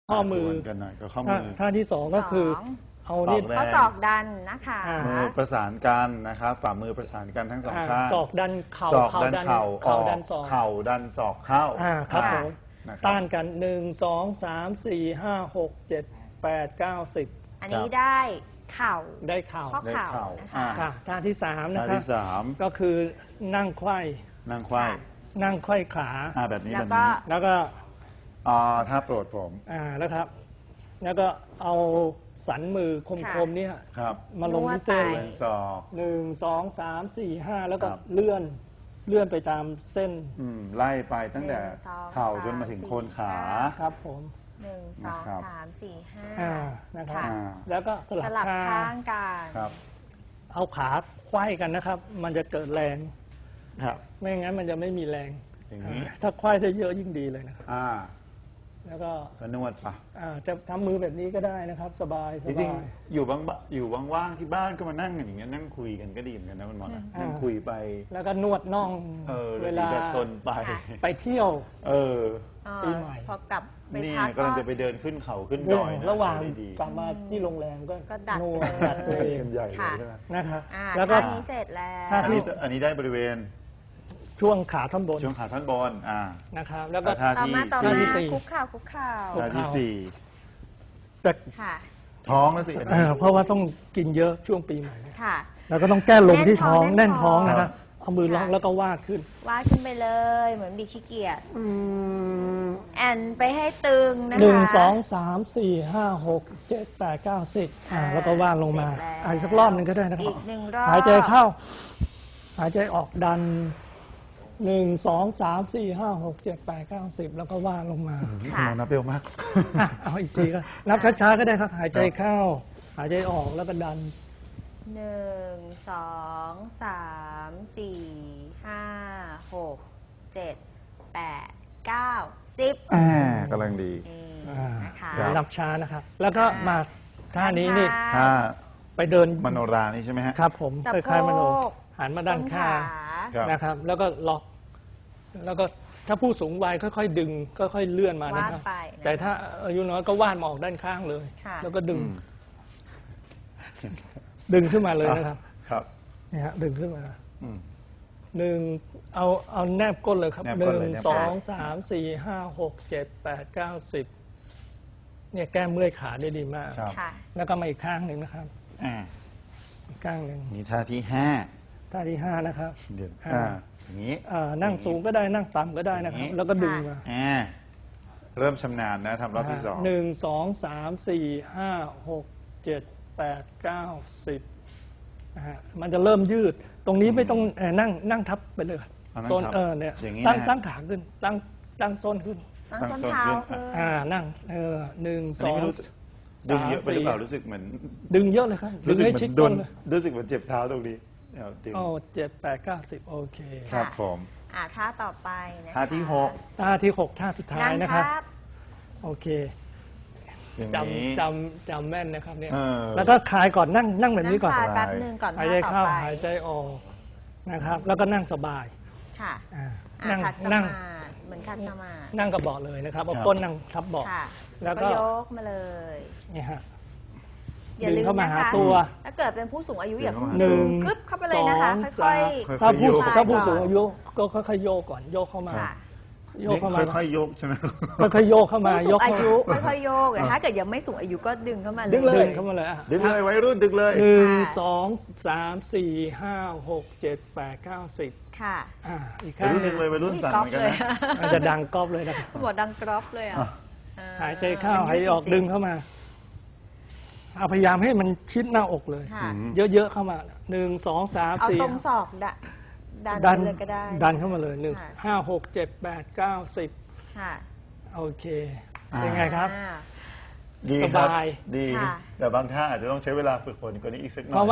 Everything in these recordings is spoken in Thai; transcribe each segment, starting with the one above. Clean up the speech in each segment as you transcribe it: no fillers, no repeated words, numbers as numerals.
ข้อมือกันหน่อยกับข้อมือท่าที่สองก็คือเอานี่ข้อศอกดันนะคะมือประสานกันนะครับฝ่ามือประสานกันทั้งสองข้างศอกดันเข่าศอกดันเข่าออกดันศอกเข่าดันศอกเข้าครับผมนะครับต้านกัน1 2 3 4 5 6 7 8 9 10 อันนี้ได้เข่าได้เข่าข้อเข่านะคะท่าที่3นะท่าครับที่สามก็คือนั่งไขว้นั่งไขว้นั่งไขว้ขาแบบนี้แล้แบวบก็นี้แล้วก็ท่าโปรดผมแล้วครับ แล้วก็เอาสันมือคมๆเนี่ยครับมาลงที่เส้นนวดไปเป็นศอก 1 2 3 4 5แล้วก็ครับเลื่อนไปตามเส้นไล่ไปตั้งแต่ 1 2 เข่าจนมาถึงโคนขาครับผม 1 นะครับ 2 3 4 5 นะครับค่ะแล้วก็สสลับลับข้าข้าง งกันครับเอาขาไขว้กันนะครับ มันจะเกิดแรงครับไม่งั้นมันจะไม่มีแรงอย่างนี้ถ้าไขว้ได้เยอะยิ่งดีเลยนะครับแล้วก็ก็นวดปะจะทำมือแบบนี้ก็ได้นะครับ สบายสจริงบายๆอยู่ว่างๆที่บ้านก็มานั่งอย่างเงี้ยนั่งคุยกันก็ดีเหมือนกันนะคุณหมอนะนั่งคุยไปแล้วก็นวดน่องเวเวลาลาตนไปไปเที่ยว ปีใหม่พอกลับไปนี่พักกำลังจะไปเดินขึ้นเขาขึ้นดอยนระหว่างได้ดีกลับมาที่โรงแรมก็ดัดนวดเลยดัดตัวเองกันใหญ่เลยใช่ไหมนะครับแล้วก็นี้เสร็จแล้วท่าที่อันนี้ได้บริเวณช่วงขาท่อนบนช่วงขาท่อนบนนะครับ แล้วก็ท่าต่อที่มาท่าที่สี่คุกเข่าคุกเข่าท่าที่สี่แต่ค่ะท้องแล้วสิอันนี้เพราะว่าต้องกินเยอะช่วงปีใหม่ค่ะแล้วก็ต้องแก้ลมที่ท้องแน่แน่นนท้ท้ออง งนะครับเอามือล็อกแล้วก็วาดขึ้นวาดขึ้นไปเลยเหมือนบีขี้เกียจแอนไปให้ตึงนะคะ 1 2 3 4 5 6 7 8 9 10แล้วก็วาดลงมาเสร็จแล้วอีกสักรอบหนึ่งก็ได้นะครัอีบก1 รอบหายใจเข้า หายใจออกดัน 1 2 3 4 5 6 7 8 9 10แล้วก็วาดลงมาพี่สมองนับเร็วมากเอาอีกทีก็นับช้าๆก็ได้ครับ หายใจเข้า หายใจออกแล้วก็ดัน 1 2 3 4 5 6 7 8 9 10 กำลังดีนะคะนับช้านะครับ แล้วก็มาท่านี้นี่ถ้าไปเดินมโนรานี่ใช่ไหมฮะครับผมสะโพกคล้ายๆมโนหันมาด้านข้างครับนะครับ แล้วก็ล็อก แล้วก็ถ้าผู้สูงวัยค่อยๆดึงค่อยๆเลื่อนมานะครับวาดไปนะแต่ถ้าอายุน้อยก็วาดมาออกด้านข้างเลยค่ะแล้วก็ดึง ดึงขึ้นมาเลยนะครับครับนี่ฮะดึงขึ้นมาอืมเอาแนบก้นเลยครับแนบหก้นนึ่งเลยแนบก้นสองสามสี่ห้าหกเจ็ดแปดเก้าสิบเนี่ยแก้เมื่อยขาได้ดีมากครับค่ะแล้วก็มาอีกข้างหนึ่งนะครับอ่าอีกข้างหนึ่งนี่ท่าที่ห้าท่าที่ห้านะครับเดี๋ยว อย่างนี้นั่งสูงก็ได้นั่งต่ำก็ได้นะครับอย่างนี้แล้วก็ดึงมาเริ่มชำนาญนะทำรอบที่สองหนึ่งสองสามสี่ห้าหกเจ็ดแปดเก้า10นะฮะมันจะเริ่มยืด ตรงนี้ไม่ต้องนั่งทับไปเลยเอานั่งโซนทับเนี่ยอย่างนี้ตั้งนะฮะตั้งขาขึ้นตั้งโซนขึ้นตั้งส้นเท้าขึ้นนั่งหนึ่งอันสนี้องไม่รู้สึกดึงเยอะไปหรือเปล่ารู้สึกเหมือนดึงเยอะเลยครับดึรู้งสึกให้เหมือชิดนโดก้นนเลยรู้สึกเหมือนเจ็บเท้าตรงนี้เอาดึงโอ้7 8 9 10โอเคครับผมท่าต่อไปนะคะท่าที่หกท่าที่6ท่าสุดท้ายนะครับนั่งโอเคอย่างจนี้ำแม่นนะครับเนี่ยเออแล้วก็คลายก่อนนั่งแบบนี้ก่อนงคลายแป๊บหนึ่งก่อนหายท่าใจต่อเข้าไปหายใจออกนะครับ แล้วก็นั่งสบายค่ะนั่งขัดสนั่มาง ธิเหมือนขัดสมาธินั่งกับเบาะเลยนะครับเอาก้นนั่งทับเบาะค่ะแล้แล้ว วก็ก็ยกมาเลยนี่ฮะอย่าลืดึมงเข้ามานะหาคะตัวถ้าเกิดเป็นผู้สูงอายุอย่าเพิ่งหนึ่งกึ๊บเข้าไปเลยนะคะสองค่อยสามค่อยๆถ้าผู้โยกถ้าผู้สูงอายุก็ค่อยๆโยกก่อนโยกเข้ามาๆค่ะโยกเข้ามาค่อยๆยกใช่ไหมค่อยๆโยกเข้ามาผู้สูงอายุเข้าค่อยๆโยกแต่ถ้าเกิดยังไม่สูงอายุก็ดึงเข้ามาเลยดึงเข้ามาเลยอ่ะดึงเลยวัยรุ่นดึงเลยหนึ่งค่ะสองสามสี่ห้าหกเจ็ดแปดเก้าสิบค่ะอีกวัข้าย งรุ่นดึงเลยวัยรุ่นสั่นเหมือนกันนะมันจะดังก๊อบเลยนะครับหัวดังกรอบเลยอ่ะหายใจเข้าหายใจออกดึงเข้ามาเอาพยายามให้มันชิดหน้าอกเลยค่ะเยอะๆเข้ามา1 2 3 เอา 4 ตรงศอกดันดันไปเลยก็ได้ดันเข้ามาเลย1 ค่ะ 5 6 7 8 9 10 ค่ะโอเคเป็นไงครับอ่าดีครับสบายดีค่ะแต่บางท่าอาจจะต้องใช้เวลาฝึกฝนกว่านี้อีกสักหน่อยเพราะว่า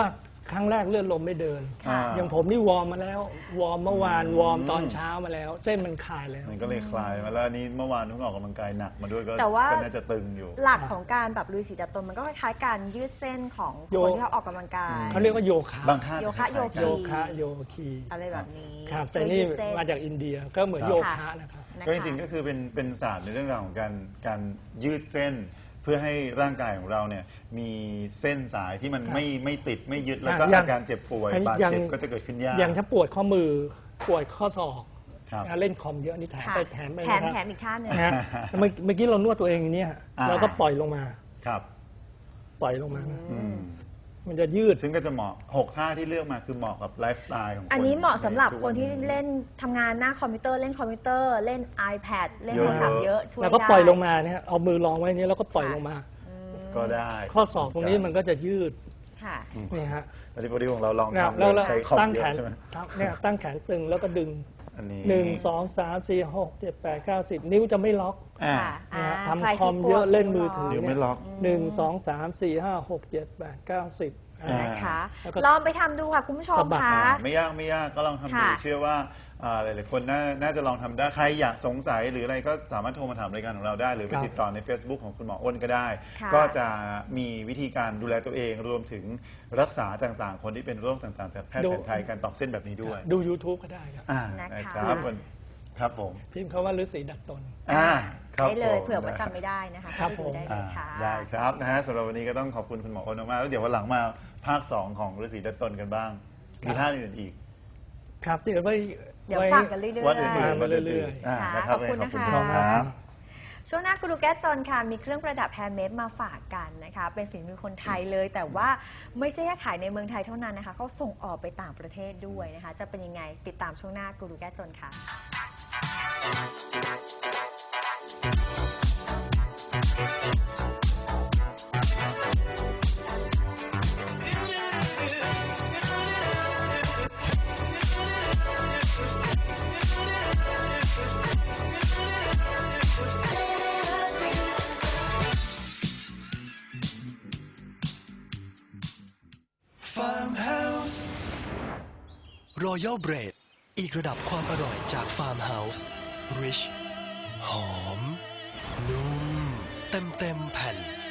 ครั้งแรกเลือดลมไม่เดินค่ะอย่างผมนี่วอร์มมาแล้ววอร์มเมื่อวานวอร์มตอนเช้ามาแล้ว เส้นมันคลายแล้วมันก็เลยคลายมาแล้วอันนี้เมื่อวานเพิ่งออกกำลังกายหนักมาด้วยก็แต่ว่าก็น่าจะตึงอยู่หลักของการแบบลุยสีดัดตนมันก็คล้ายๆการยืดเส้นของโยคนที่เขาออกกำลังกายเขาเรียกว่าโยคะบางท่าโยคะจล้ายๆโยกัคีนโยคีอะไรแบบนี้ครับแต่นี่ยืดเส้มาจากอินเดียก็เหมือนครับโยคะนะครับนะคะก็จริงๆก็คือเป็นศาสตร์ในเรื่องราวของการยืดเส้น เพื่อให้ร่างกายของเราเนี่ยมีเส้นสายที่มันครับไม่ติดไม่ยึดแล้วก็อย่างอาการเจ็บป่วยบาดอย่างเจ็บก็จะเกิดขึ้นยากอย่างถ้าปวดข้อมือปวดข้อศอกครับเล่นคอมเยอะนี่แถมค่ะไปแถมไปแถมนะครับแถมอีกท่าหนึ่งนะฮะเมื่อกี้เรานวดตัวเองอย่างเนี้ยอ่าเราก็ปล่อยลงมาครับปล่อยลงมาอืมมันจะยืดซึ่งก็จะเหมาะ6ท่าที่เลือกมาคือเหมาะกับไลฟ์สไตล์ของคนอันนี้เหมาะสำหรับใทุกควันที่เล่นทำงานหน้าคอมพิวเตอร์เล่นคอมพิวเตอร์เล่น iPad เล่นเยโทอะรศัพท์เยอะช่วยแล้วได้ก็ปล่อยลงมาเนี่ยเอามือรองไว้นี้แล้วก็ปล่อยลงมาก็ได้ข้อศอกตรงนี้มันก็จะยืดค่ะนี่ฮะอันนี้พอดีของเราลองเนี่ยทำแล้วใช้คอมตั้งเยแขอะนใช่ไหมเนี่ยตั้งแขนตึงแล้วก็ดึงอันนี้ 1 2 3 4 6 7 8 9 10 นิ้วจะไม่ล็อกอ่าค่ะนะฮะใรทำคที่อมเยอะปวดเล่นมือถือนิ้วไม่ล็อก 1 2 3 4 5 6 7 8 9 10 นะคะแล้วก็ลองไปทำดูค่ะคุณผู้ชมสะบัดคะไม่ยากก็ลองทำดูค่ะเชื่อว่าหลายๆคนน่าจะลองทำได้ใครอยากสงสัยหรืออะไรก็สามารถโทรมาถามรายการของเราได้ หรือไปครับติดต่อใน Facebook ของคุณหมออ้นก็ได้ค่ะก็จะมีวิธีการดูแลตัวเองรวมถึงรักษาต่างๆ คนที่เป็นโรคต่างๆจากแพทย์แผนไทยการตอกเส้นแบบนี้ด้วยดู YouTube ก็ได้ครับนะคะครับครับผมพิมพ์คำว่าฤาษีดัดตนครับได้เลยผมเผื่อว่าจำไม่ได้นะคะครับเข้าไปดูผมได้เลยค่ะได้ครับนะฮะสำหรับวันนี้ก็ต้องขอบคุณคุณหมออ้นมากๆแล้วเดี๋ยววันหลังมาภาค 2 ของฤาษีดัดตนกันบ้าง มีท่าอื่นอีกครับเดี๋ยวไว้เดี๋ยวไว้ฟังกันเรื่อยๆวันอื่นๆมาเรื่อยๆๆค่ะนะครับขอบคุณนะคะขอบคุณครับช่วงหน้ากูรูแก้จนค่ะมีเครื่องประดับแฮนด์เมดมาฝากกันนะคะ เป็นฝีมือคนไทยเลย แต่ว่าไม่ใช่แค่ขายในเมืองไทยเท่านั้นนะคะเขาส่งออกไปต่างประเทศด้วยนะคะ จะเป็นยังไงติดตามช่วงหน้ากูรูแก้จนค่ะ Farmhouse Royal Bread อีกระดับความอร่อยจาก Farmhouse Rich หอม นุ่ม เต็มแผ่น